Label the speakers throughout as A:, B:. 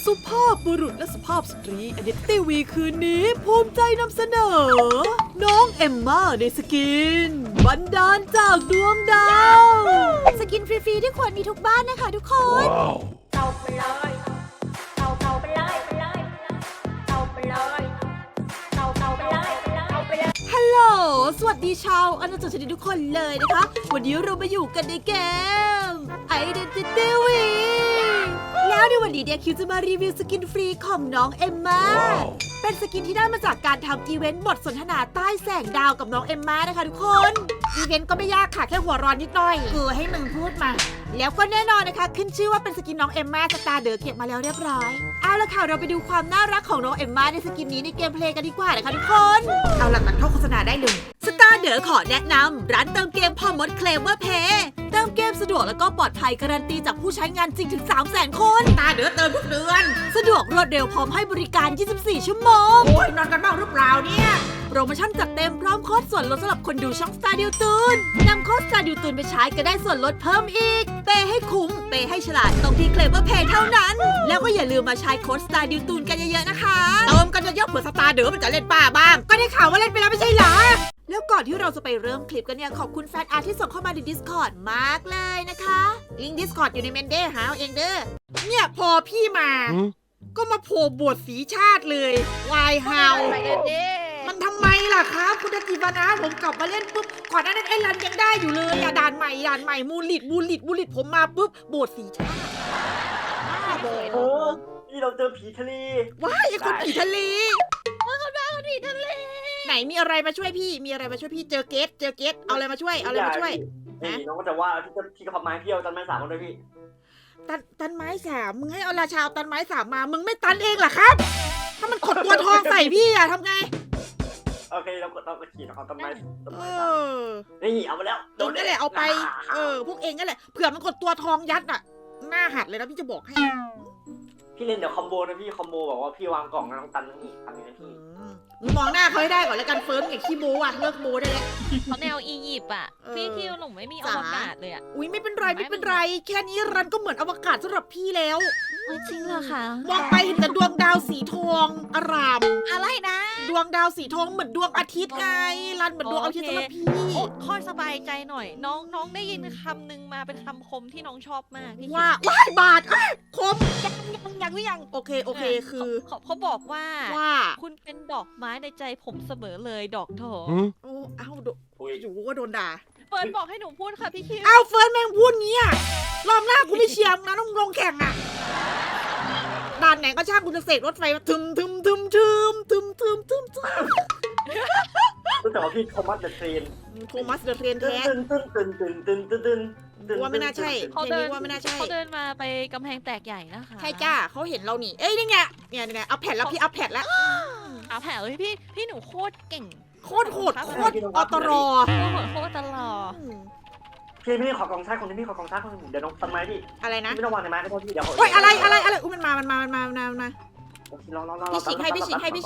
A: สุภาพบุรุษและสุภาพสตรี Identity V คืนนี้ภูมิใจนำเสนอ น้องเอมม่าในสกิน บันดาลจากดวงดาว สกินฟรีๆที่ควรมีทุกบ้านนะคะทุกคน
B: เอาไปเลยเอาไปเลยเอาไปเลยเอาไปเลยเอาไปเลย
A: ฮัลโหล สวัสดีชาวอาณาจักรชนิดทุกคนเลยนะคะ วันนี้เรามาอยู่กันในเกม Identity V แล้วในวันนี้เนี่ยคิวจะมารีวิวสกินฟรีของน้องเอมม่า เป็นสกินที่ได้มาจากการทำอีเวนต์บทสนทนาใต้แสงดาวกับน้องเอมม่านะคะทุกคน อีเวนต์ก็ไม่ยากค่ะแค่หัวร้อนนิดหน่อยให้มึงพูดมา แล้วก็แน่นอนนะคะขึ้นชื่อว่าเป็นสกินน้องเอมม่าสตาร์เดอเก็บมาแล้วเรียบร้อย เอาละค่ะเราไปดูความน่ารักของน้องเอมม่าในสกินนี้ในเกมเพลย์กันดีกว่านะคะทุกคน เอาหลักตัดเข้าโฆษณาได้เลยสตาร์เดอขอแนะนำร้านเติมเกมพอมดเคลมเวอร์เพย์เติมเกมสะดวกแล้วก็ปลอดภัยการันตีจากผู้ใช้งานจริงถึง 300,000 คนสตาร์เดอเติมทุกเดือนสะดวกรวดเร็วพร้อมให้บริการ 24 ชั่วโมงโอ้ยนอนกันบ้างหรือเปล่าเนี่ยโปรโมชั่นจัดเต็มพร้อมโค้ดส่วนลดสำหรับคนดูช่อง Star ดิวตูนนำโค้ด Star ดิวตูนไปใช้ก็ได้ส่วนลดเพิ่มอีกเปย์ให้คุ้มเปย์ให้ฉลาดตรงที่เคลมเวอร์เพย์เท่านั้นแล้วก็อย่าลืมมาใช้โค้ด Star ดิวตูนกันเยอะๆนะคะเติมกันเยอะๆเผื่อสตาร์เดอมันจะเล่นป้าบ้างก็ได้ข่าวว่าเล่นไปแล้วไม่ใช่เหรอแล้วก่อนที่เราจะไปเริ่มคลิปกันเนี่ยขอบคุณแฟนอาร์ตที่ส่งเข้ามาใน Discord มากเลยนะคะลิงก์ Discord อยู่ในเมนเดอร์หาเอาเองเด้อเนี่ยพอพี่มาก็มาโผล่บทสีชาติเลยวายฮาวมันทำไมล่ะครับคุณจิบานะผมกลับมาเล่นปุ๊บก่อนหน้านั้นไอ้รันยังได้อยู่เลยอะด่านใหม่มูลิดผมมาปุ๊บบทสีชาติ
C: โอ้นี่เราเจอผีทะเล
A: ว้ายไอ้คนผีทะเลไหนมีอะไรมาช่วยพี่เจอเกตเอาอะไรมาช่วย
C: นี่น้องก็จะว่าที่กระพับไม้เที่ยวจันไม้สามคนด้วยพี่
A: ตันไม้สามมึงให้เอาราชาตันไม้สามมามึงไม่ตันเองเหรอครับถ้ามันขดตัวทองใส่พี่อะทำไง
C: โอเคเราก็ขี่เอาต้นไม้สาม
A: นี่
C: นี่เอาไปแล้ว
A: เองนั่นแหละเอาไปพวกเองนั่นแหละเผื่อมันกดตัวทองยัดอะหน้าหัดเลยนะพี่จะบอกให้
C: พี่เล่นเดี๋ยวคอมโบนะพี่คอมโบบอกว่าพี่วางกล่องนะน้องตันทั้งนี้ทำยังไงพี่
A: มึงมองหน้าเขาให้ได้ก่อนแล้วกันเฟิร์มอย่าขี้โม้อะเลิกโม้ได้แล้ว
D: เขาแนวอียิปต์อ่ะพี่คิวหนูไม่มีอวกาศเลยอ่ะ
A: อุ้ยไม่เป็นไรแค่นี้รันก็เหมือนอวกาศสำหรับพี่แล้ว
D: จริงเหรอคะ
A: มองไปเห็นแต่ดวงดาวสีทองอาราม
D: อะไรนะ
A: ดวงดาวสีทองเหมือนดวงอาทิตย์ไงรันเหมือนดวงอาทิตย์สำหรับพี่
D: ค่อยสบายใจหน่อยน้องได้ยินคำหนึ่งมาเป็นคำคมที่น้องชอบมากพี่คิว
A: ว่าว้ายบาทคม
D: ยัง
A: โอเคคือ
D: เขาบอกว่า คุณเป็นดอกไม้ในใจผมเสมอเลยดอกทอง
A: โอ้เอ้าอยู่ก็โดนด่า
D: เฟิร์นบอกให้หนูพูดค่ะพี่คิว
A: เฟิร์นแม่งพูดงี้อะรอบหน้ากูไม่เชียร์นะต้องลงแข่งอะด่านไหนก็ช่างกูจะเสกรถไฟมาทึม
C: แต่ว่าพี่โทมัสเดอะเทรน
A: แท้ว่าไม่น่าใช่
D: เขาเดินมาไปกำแพงแตกใหญ่นะคะ
A: ใช่จ้าเขาเห็นเรานี่เอ้ยนี่ไงเนี่ยเอาแผ่นแล้วพี่เอาแผ่นแล้ว
D: เอาแผ่นเลยพี่หนูโคตรเก่ง
A: โคตรอตร
D: โคตรตลอด
C: พี่ขอกองชาติคนนี้พี่ขอกองชาติคนนึงเดี๋ยวน้องต้นไม้พี่
A: อะไรนะ
C: ไม่ต้องวางในไม้ก็พอพี่เดี๋ยว
A: โอ้ยอะไรอุ้ยมันมาพี่ฉีกให้ร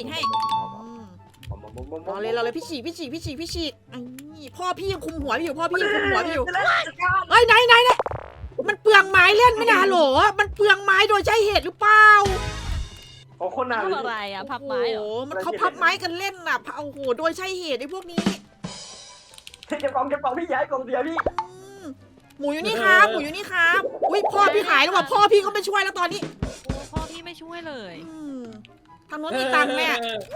A: อเลยพี่ฉีกพ่อพี่ยังคุมหัวอยู่เฮ้ยไหนมันเปลืองไม้เล่นไม่นะโหลมันเปลืองไม้โดยใช้เหตุหรือเปล่า
C: โอ้คนน่า
D: ทำอะไรอ่ะพับไม้เหรอ
A: มันเขาพับไม้กันเล่นน่ะโอ้โหโดยใช้เหตุไอ้พวกนี้
C: เก็บกล่องพี่ย้ายกล่องเดียวพี่
A: หมูอยู่นี่ครับอุ้ยพ่อพี่หายแล้วว่ะพ่อพี่ก็ไม่ช่วยแล้วตอนนี้
D: พ่อพี่ไม่ช่วยเลย
A: ทางโน้นมีตังค์แม่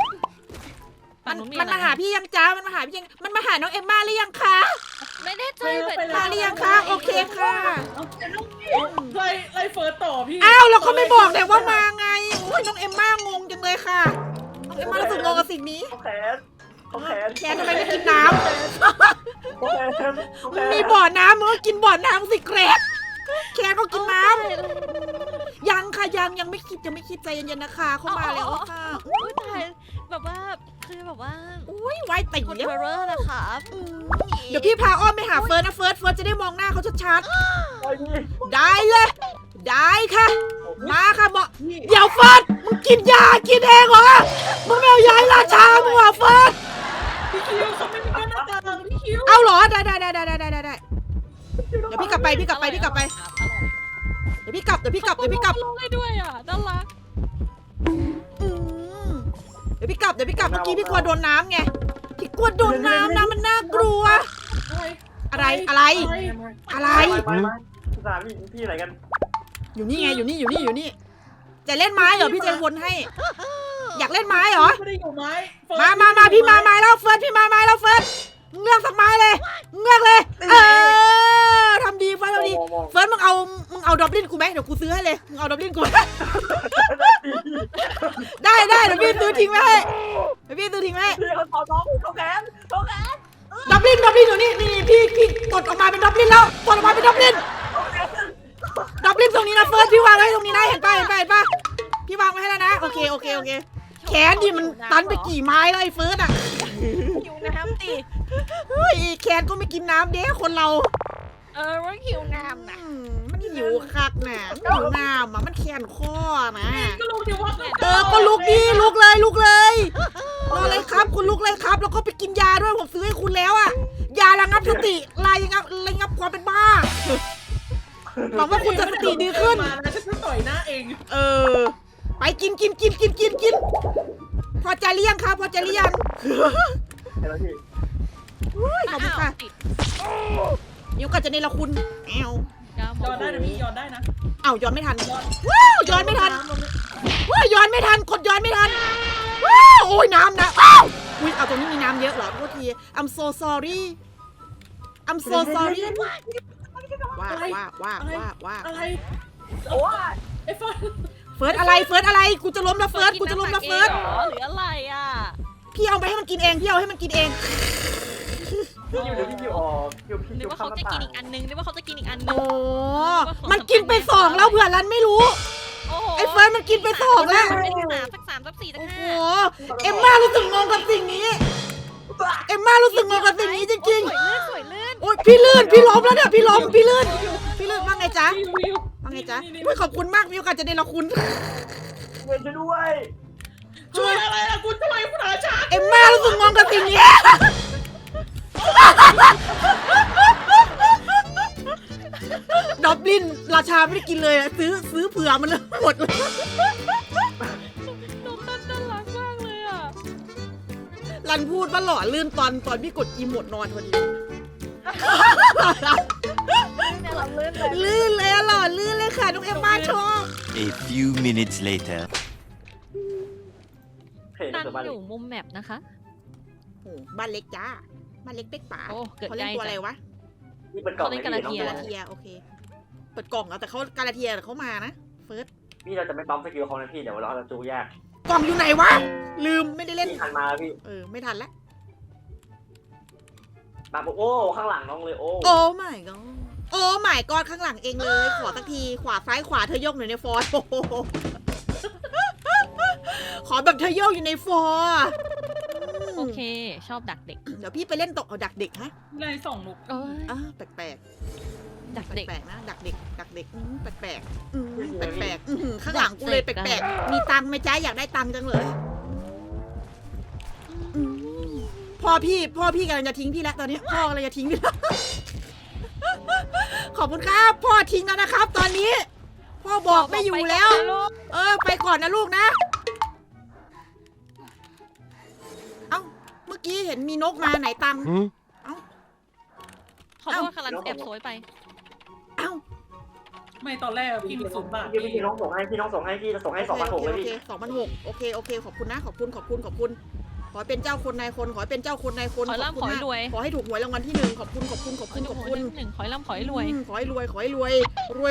A: มันมาหาพี่ยังจ้ามันมาหาน้องเอมม่าหรือยังคะ
D: ไม่ได้ใจ
A: มาหรือยังคะโอเคค่ะ
E: ไล่เฟิร์สต่อพี่
A: แล้วเขาไม่บอกแต่ว่ามาไงโอ้ยน้องเอมม่างงจังเลยค่ะน้องเอมม่ารู้สึกงงกับสิ่งนี้แคนทำไมไม่กินน้ำมีบ่อน้ำมึงก็กินบ่อน้ำสิเกรดแคนก็กินน้ำยังค่ะยังไม่คิดใจเย็นๆนะคะเข้ามาแล้วค่ะ
D: ตายแบบว่าคือแบบว่า
A: อุ้ยไวติ่ง
D: เยอะนะคะ
A: เดี๋ยวพี่พาอ้อมไปหาเฟิร์นนะเฟิร์นจะได้มองหน้าเขาชัดๆได้เลยได้ค่ะมาค่ะบอกเดี๋ยวเฟิร์นมึงกินยากินเองเหรอมึงไม่เอายาราชามึงเหรอเฟิร์น
E: พี่คิวเขาไม่มีหน้าตาพี่คิว
A: เอาเหรอได้เดี๋ยวพี่กลับไปเดี๋ยวพี่กลับ
D: ลงให้ด้วยอ่ะน่ารัก
A: ดี๋ยวพี่กลับเมื่อกี้พี่กลัวโดนน้ำไงพี่กลัวโดนน้ำนะมันน่ากลัว อะไร อะไร
C: ไปสถานพี่ไหนกัน
A: อยู่นี่ไงอยู่นี่จะเล่นไม้เหรอพี่เจวนให้ อยากเล่นไม้เหรอ
E: ไม่ได้อยู่ไม้
A: มาพี่มาไม้แล้วเฟิร์สพี่มาไม้แล้วเฟิร์สเงือกสักไม้เลยเงือกเลยทำดีเฟิร์สทำดีเฟิร์สมึงเอาดอบลินกูไหมเดี๋ยวกูซื้อให้เลยมึงเอาดอบลินกูได้เดี๋ยวพี่ซื้อทิ้งไว้ให้พี่
C: เขาต่อน้องเขาแขน
A: ดอบลินอยู่นี่พี่กดออกมาเป็นดอบลินแล้วกดออกมาเป็นดอบลินตรงนี้นะเฟิร์สพี่วางไว้ตรงนี้นะเห็นป่ะพี่วางไว้ให้แล้วนะโอเคแขนดิมันตันไปกี่ไม้แล้วไอ้เฟิร์สอ่ะ
D: หิวน้ำดิ
A: เฮ้ยแขนก็ไม่กินน้ำเด้คนเรา
D: ว่าหิวน้ำนะ
A: มันหิวคักน่ะมันหิวน้ำอ่ะมันแขนข้อนะ
E: ก็ลงที่ว่า
A: ก็ลุกดิลุกเลยรอเลยครับคุณลุกเลยครับแล้วก็ไปกินยาด้วยผมซื้อให้คุณแล้วอ่ะยาระงับสติระงับความเป็นบ้าหวังว่าคุณจะสติดีขึ้น
E: มานะฉันจะต่อยหน้าเอง
A: ไปกินพอใจหรือยังครับพอใจหรือยัง
C: เห็นแล้วพี่
A: ขอบคุณค่ะ
D: ติด
A: นิ้วก็จะเนรคุณแอว
D: ยาหม
E: ย้อนได้นะพี่ย้อนได้นะ
A: ย้อนไม่ทัน
E: ย้อน
A: ย้อนไม่ทันย้อนไม่ทันกดย้อนไม่ทันโอ้ยน้ำนะอุ้ยเอาตรงนี้มีน้ำเยอะเหรอโทษที I'm so sorry ว่า
E: อะไร
C: โอ้ย
E: ไอ้เฟิร์น
A: เฟิร์สอะไรกูจะล้มแล้วเฟิร์สกูจะล้มแล้วเฟิร์ส
D: หรืออะไรอ่ะ
A: พี่เอาไปให้มันกินเอง
C: พี่อยู่เดี๋ยวพี่อยู่พี่
D: นึกว่าเขาจะกินอีกอันนึง
A: โอ้มันกินไป2แล้วเผื่อรันไม่รู้
D: โอ้โห
A: ไอ้เฟิร์สมันกินไป2แล้ว
D: เป็นสัก 3 สัก 4 สัก
A: โอ้โห
D: 5
A: เอ็มม่ารู้สึกงงกับสิ่งนี้จริง
D: สวยลื่น
A: ๆโอ้ยพี่ลื่นพี่ล้มแล้วเนี่ยพี่ลื่นว่าไงจ๊ะ
E: วิว
A: ว่าไงจ๊ะอุ้ยขอบคุณมากมีโอกาสจะได้ละคุณ
C: เงินจะด้วย
E: ช่วยอะไรล่ะคุณทำไมคุณหาชา
A: เอ็มม่ารู้สึกงงกับสิ่งนี้ดอบลินราชาไม่ได้กินเลยอะซื้อเผื่อมันเลยหมดเลย
D: น้องตั้นน่ารักมากเลยอ่ะ
A: รันพูดว่าหล่อลื่นตอนพี่กดอีโมดนอนพอดี
D: เนี่ยเราลื่นเลย
A: ลื่นเลยอะหล่อลื่นเลยค่ะน้องเอ็มม่าชอบ
F: A few minutes later.
C: เห็น
D: ตั้น
C: เสือบ้าน
D: อยู่มุมแมปนะคะ
A: โอ้บ้านเล็กจ้าบ้านเล็กเป๊กป่า
D: โอ้เกิด
A: เขา
D: ใก
A: เล่น
D: ล้
A: ตัวอะไรวะ
C: นี่เป็นกล่อง
A: กาลาเทียโอเคเปิดกล่องแล้วแต่เขากาลาเทียเขามานะเฟิร์ส
C: พี่เราจะไม่ปั๊มสกิลเขานะพี่เดี๋ยวเราจะจูแยก
A: กล่องอยู่ไหนวะลืมไม่ได้เล่น
C: พี่ทันมาพี่
A: ไม่ทันละ
C: แบบโอ้ข้างหลังน้องเลยโอ้
A: โอ้ my god โอ้ my god ข้างหลังเองเลยขอสักทีขวาซ้ายขวาเธอยกหน่อยในฟอยโอ้โหขอแบบเธอยกอยู่ในฟอร์
D: โอเค ชอบดักเด็ก
A: เดี๋ยวพี่ไปเล่นตกเอาดักเด็กฮะ
E: ในสองลูก
D: เอ้ย
A: แปลก
D: ดัก
A: ๆ
D: เด็ก
A: แปลกๆนะดักเด็กแปลกๆแปลกๆข้างหลังกูเลยแปลกๆมีตังค์ไหมจ๊ะอยากได้ตังค์จังเลยพ่อพี่กำลังจะทิ้งพี่แล้วตอนนี้พ่อกำลังจะทิ้งพี่แล้วขอบคุณครับพ่อทิ้งแล้วนะครับ ตอนนี้ พ่อบอกไม่อยู่แล้ว ไปก่อนนะลูกนะเอ้าเมื่อกี้เห็นมีนกมาไหนตังค์
D: ขอโทษค่ะรันแอบโซยไป
A: เอ้า
E: ไม่ตอนแรกพี่มี0 บาท
C: พี่น้องส่งให้พี่ส่งให้2,600เลยพี่
A: 2,600โอเคขอบคุณนะขอบคุณขอให้เป็นเจ้าคนนายคนขอให้เป็นเจ้าคนนายคน
D: ขอให้ร่ำ
A: บคุณ
D: ขอให้
A: มาก
D: รวย
A: ขอให้ถูกหวยรางวัลที่หนึ่งขอบคุณขอบคุณ
D: หนึ่งขอยร่ำขอยรวย
A: ขอให้รวยขอให้รวย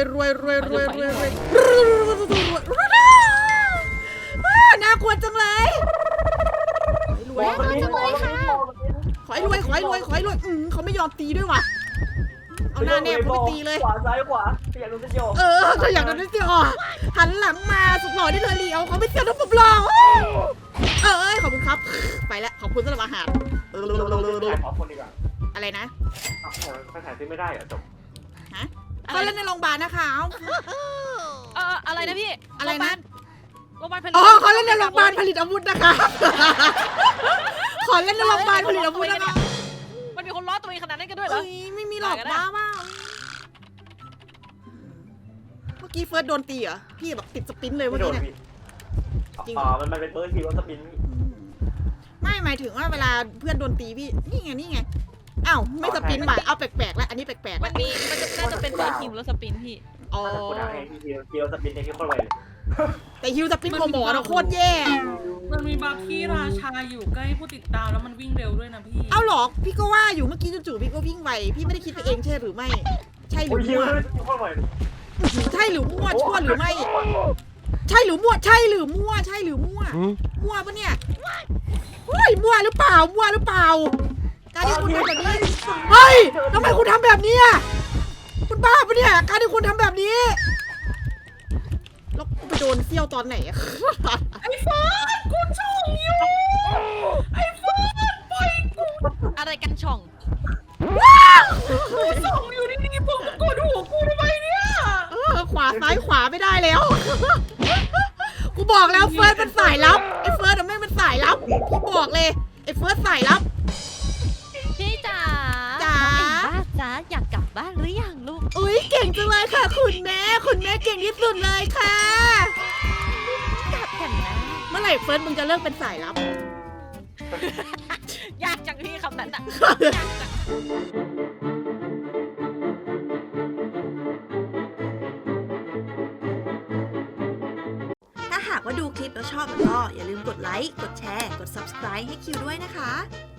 A: น่ากลัวจังเลยขอให้รวยเขาไม่ยอมตีด้วยว่ะเอาหน้าแนบเขาไปตีเลย
C: ขวาซ้ายขวาอยากดูเส้นโย
A: เธออยากโดนเสียหันหลังมาสุดหล่อได้เลยเลี้ยวเขาไม่เสียทุกผมหล่อขอบคุณครับไปแล้วขอบคุณสำหรับอาหาร
C: ถ่ายขอคนดีกว่า
A: อะไรนะ
C: ถ่ายซื้อไม่ได้เหรอจบ
A: เขาเล่นในโรงพยาบาลนะคะ
D: อะไรนะพี่
A: อะไรนะ
D: โรงพยาบาลผลิต
A: เขาเล่นในโรงพยาบาลผลิตอาวุธนะคะขอเล่นในโรงพยาบาลผลิตอาวุธนะคะ
D: มันมีคนล้อตัวเองขนาดนั้นกันด้วยเหรอ
A: ไม่มีหรอกบ้าเมื่อกี้เฟิร์สโดนตีเหรอพี่แบบติดสปินเลยเมื่อกี้เนี่ย
C: มันเป็นเบอร์ทีว่าสปิน
A: ไม่หมายถึงว่าเวลาเพื่อนโดนตีพี่นี่ไงอ้าวไม่สปินใหม่เอาแปลกๆแล้วอันนี้แปลกๆ
D: มั
A: แล้ว
D: นน่าจะเป็นตัวฮิวแล้วสปินพี่
A: อ๋อ
C: ถ้าจะกูด่าให้พี่เกียวสปินในที่โคตรไวเลย
A: แต่ฮิวสปินของหมอเราโคตรแย่
E: มันมีบัฟที่ราชาอยู่ใกล้ผู้ติดตามแล้วมันวิ่งเร็วด้วยนะพี่
A: เอาหรอพี่ก็ว่าอยู่เมื่อกี้จู่ๆพี่ก็วิ่งไวพี่ไม่ได้คิดไปเองใช่หรือไม่ ใช่หรื
C: โอ้
A: อย
C: ฮิว
A: มั่ว
C: เลยโคตรไวเลย
A: ใช่หรือมั่วชั่วหรือไม่ ใช่หรือมั่วใช่หรือมั่วใช่หรือมั่วมั่วปะเนี่ยเฮ้ยมั่วหรือเปล่าการที่คุณทำแบบนี้เฮ้ยทำไมคุณทำแบบนี้อ่ะคุณบ้าปะเนี่ยการที่คุณทำแบบนี้แล้วไปโดนเซี่ยวตอนไหนอะ
E: ไอ้เฟิร์สกูช่องอยู่ไอ้เฟิร์สปล่อยกู
D: อะไรกันช่อง
E: กูส่องอยู่ดีๆมึงกดหัวกูทำไมเนี่ย
A: ขวาซ้ายขวาไม่ได้แล้ว กูบอกแล้วเฟิร์สเป็นสายลับไอ้เฟิร์สไม่เป็นสายลับกูบอกเลยไอ้เฟิร์สสายลับ
D: พี่จ๋า
A: จ๋า
D: น้องเอ็มบ้าจ๋าอยากกลับบ้านหรือยังลูก
A: อุ้ยเก่งจังเลยค่ะคุณแม่เก่งที่สุดเลยค่ะ
D: กลับกันนะ
A: เมื่อไหร่เฟิร์สมึงจะเลิกเป็นสายลับ
D: ยากจังพี่คำนั้นอะยากจัง
A: ถ้าหากว่าดูคลิปแล้วชอบแล้วก็อย่าลืมกดไลค์ กดแชร์ กด subscribe ให้คิวด้วยนะคะ